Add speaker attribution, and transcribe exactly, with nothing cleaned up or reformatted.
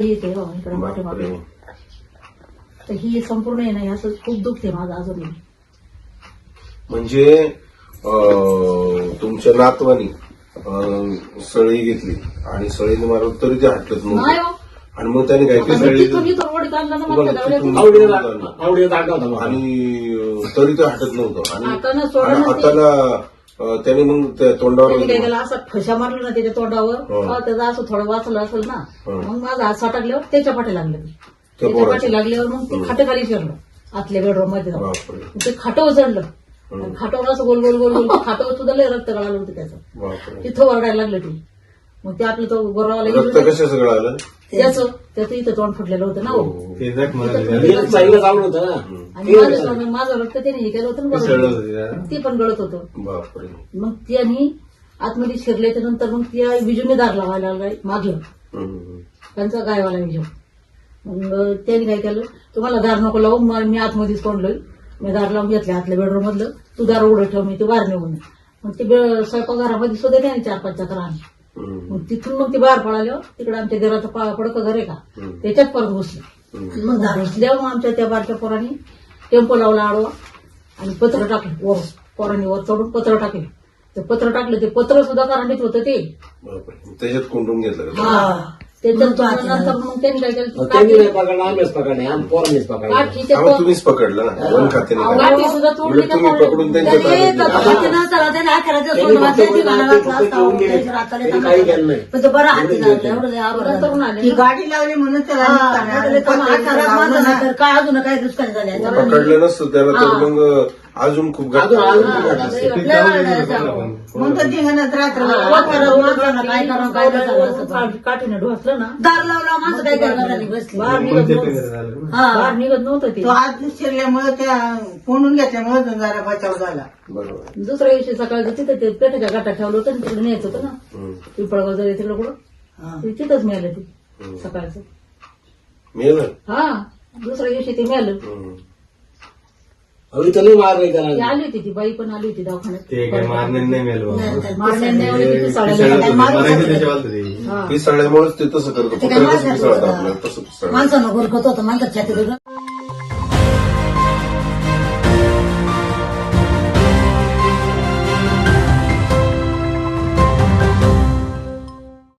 Speaker 1: येते बाबा इकडे मोठे मागे तर ही संपूर्ण आहे ना असं खूप दुखते माझं अजून.
Speaker 2: म्हणजे तुमच्या नातवानी सळी घेतली आणि सळीने मारलं तरी ते हटत
Speaker 1: नाही
Speaker 2: नव्हतं
Speaker 1: हो.
Speaker 2: आणि मग त्याने काय केलं सळी आणि तरी ते हटत नव्हतं आणि हाताला त्याने मग त्या तोंडावर
Speaker 1: काय केलं असं फशा मारलं ना त्याच्या तोंडावर त्याचं असं थोडं वाचलं असेल ना मग माझा हात साठकल्यावर त्याच्या पाठी लागलं त्याच्या पाठी लागल्यावर मग ते खाटेखाली शिरलं आतल्या बेडरूम मध्ये जाऊन ते खाटं उचडलं खाटावर असं गोल गोल गोल गोल खाटावर सुद्धा लय रक्त गळालं होतं त्याचं तिथं वरडायला लागलं ते. मग ते आपलं तो गोरावाला
Speaker 2: रक्त कशाचं गळालं
Speaker 1: त्याचं त्याचं इथं तोंड फुटलेलं होतं ना आणि माझं माझं रक्त त्याने हे केलं होतं ना ते पण गळत होतं. मग त्यांनी आतमध्ये शिरल्याच्या नंतर मग त्या विजूने दार लावायला लागलाय मागलं त्यांचा गायवाला विजू. मग त्यांनी काय केलं तुम्हाला दार नको लावू मी आतमध्येच तोंडलोय मी दार लावून घेतले आतल्या बेडरूम मधलं तू दार उघडं ठेव मी ते बाहेर निघून. मग ते स्वयंपाकघरामध्ये सुद्धा त्याने चार पाच चक्र आणले. मग तिथून मग ते बाहेर पळाल्यावर तिकडे आमच्या घराचं पडकं घर आहे का त्याच्यात परत घुसलं. मग घुसल्यावर मग आमच्या त्या बारक्या पोरांनी टेम्पो लावला आडवा आणि पत्र टाकलं वर पोरांनी वर चढून पत्र टाकले. ते पत्र टाकलं ते पत्र सुद्धा करांडीत होतं ते
Speaker 2: त्याच्यात कोंडून घेतलं
Speaker 1: त्याच्यात नंतर मग त्यांनी काय केलं
Speaker 2: तुम्हीच पकडलं ना वन खात्याने
Speaker 1: गाठी सुद्धा तोडली
Speaker 2: तुम्ही पकडून
Speaker 3: गाडी लावली म्हणून त्याला काय अजून काही दुष्काळ झाले
Speaker 2: पकडलं नसतं त्याला तर मग अजून खूप
Speaker 1: काठीनं ढोसलं ना दार लावला माझं काय करणार बसली बाहेर निघत नव्हतं बाहेर निघत नव्हतं ते
Speaker 3: आत शिरल्यामुळे त्या कोंडून घेतल्यामुळे जरा बचाव झाला.
Speaker 2: बरोबर.
Speaker 1: दुसऱ्या दिवशी सकाळी तिथे ते पेटाच्या गाठात ठेवलं होतं तिकडे न्यायचं होतं ना पिंपळगाव जरी तिकडे कुठं तिथंच मिळालं ते सकाळचं
Speaker 2: मिळालं
Speaker 1: हा दुसऱ्या दिवशी ते मिळालं. आली होती ती बाई पण आली होती दवाखान्यात
Speaker 2: पिसाळ्यामुळेच ते तसं करतो
Speaker 3: माणसानं गोरखत होतं माणसाच्या